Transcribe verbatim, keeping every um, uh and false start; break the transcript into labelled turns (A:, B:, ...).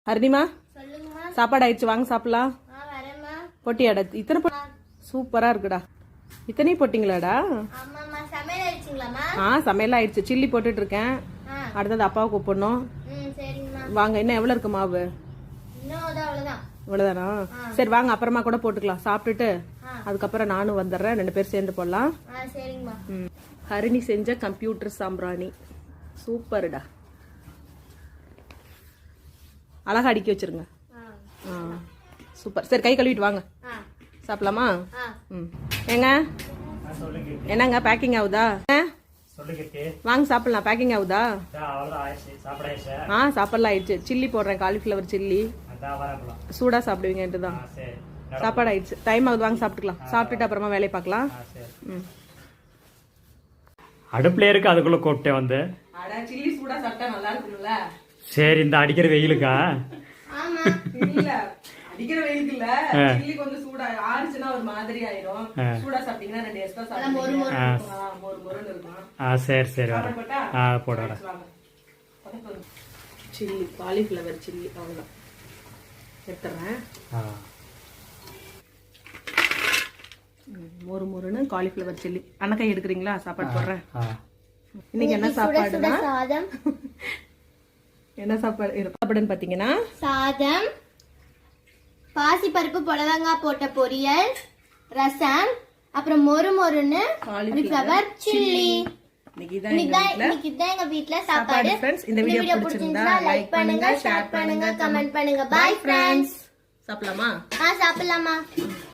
A: ஹரிணிமா சாப்பாடு ஆயிடுச்சு, வாங்க சாப்பிடலாம். பொட்டியாடா இத்தனை சூப்பரா இருக்குடா. இத்தனையும் போட்டிங்களாடா? ஆ சமையல் ஆயிடுச்சு. சில்லி போட்டுட்டு இருக்கேன். அடுத்தது அப்பாவை கூப்பிடணும். வாங்க. இன்னும் எவ்வளவு இருக்கு மாவு? இவ்வளவுதானா? சரி வாங்க, அப்புறமா கூட போட்டுக்கலாம். சாப்பிட்டுட்டு அதுக்கப்புறம் நானும் வந்துடுறேன், ரெண்டு பேரும் சேர்ந்து போடலாம். ஹரிணி செஞ்ச கம்ப்யூட்டர் சாம்பிராணி சூப்பர்டா. அழகா அடுக்கி வச்சிருங்க. சூப்பர். சரி கை கழுவிட்டு வாங்க, சாப்பிடலாமா? ம். ஏங்க என்னங்க பேக்கிங் ஆகுதா? வாங்க சாப்பிடலாம். பேக்கிங் ஆகுதா? ஆ சாப்பிடலாம் ஆயிடுச்சு. சில்லி போடுறேன், காலிஃபிளவர் சில்லி. சூடா சாப்பிடுவீங்கன்ட்டு தான். சாப்பாடு ஆயிடுச்சு. டைம் ஆகுது, வாங்க சாப்பிட்டுக்கலாம். சாப்பிட்டுட்டு அப்புறமா வேலையை பார்க்கலாம். ம்.
B: அடுப்புல இருக்கு, அதுக்குள்ள கூப்பிட்டே வந்து.
A: சில்லி சூடா சாப்பிட்டா நல்லா இருக்கும்ல.
B: சரி, இந்த அடிக்கிற வெயிலுக்கா?
A: இல்ல அடிக்கிற வெயிலுக்கு இல்ல, சில்லி கொஞ்சம் சூடா ஆறுச்சுன்னா ஒரு மாதிரி ஆயிடும். சூடா சாப்பிட்டீங்கன்னா ரெண்டு எக்ஸ்ட்ரா சாப்பிடுவீங்க. மொறு மொறுன்னு இருக்கும். ஆ சரி சரி வரேன். ஆ போடுறேன். சில்லி காலிஃபிளவர் சில்லி அவ்வளவுதான் எடுத்துறேன். மொறு மொறுன்னு காலிஃபிளவர் சில்லி. அண்ணக்காய் எடுக்கிறீங்களா? சாப்பாடு போடுறேன். இன்னைக்கு என்ன சாப்பாடுனா என்ன சாப்பாடு சாப்பாடுன்னு பாத்தீங்கன்னா
C: சாதம், பாசிப்பருப்பு புடலங்காய் போட்ட பொரியல், ரசம், அப்புறம் மொறு மொறுன்னு காலிஃபிளவர் சில்லி. இன்னைக்கு தான் எங்க வீட்ல சாப்பாடு.
A: இந்த வீடியோ பிடிச்சிருந்தா லைக் பண்ணுங்க, ஷேர் பண்ணுங்க, கமெண்ட் பண்ணுங்க. Bye friends. சாப்பிடலாமா?
C: ஆ சாப்பிடலாமா.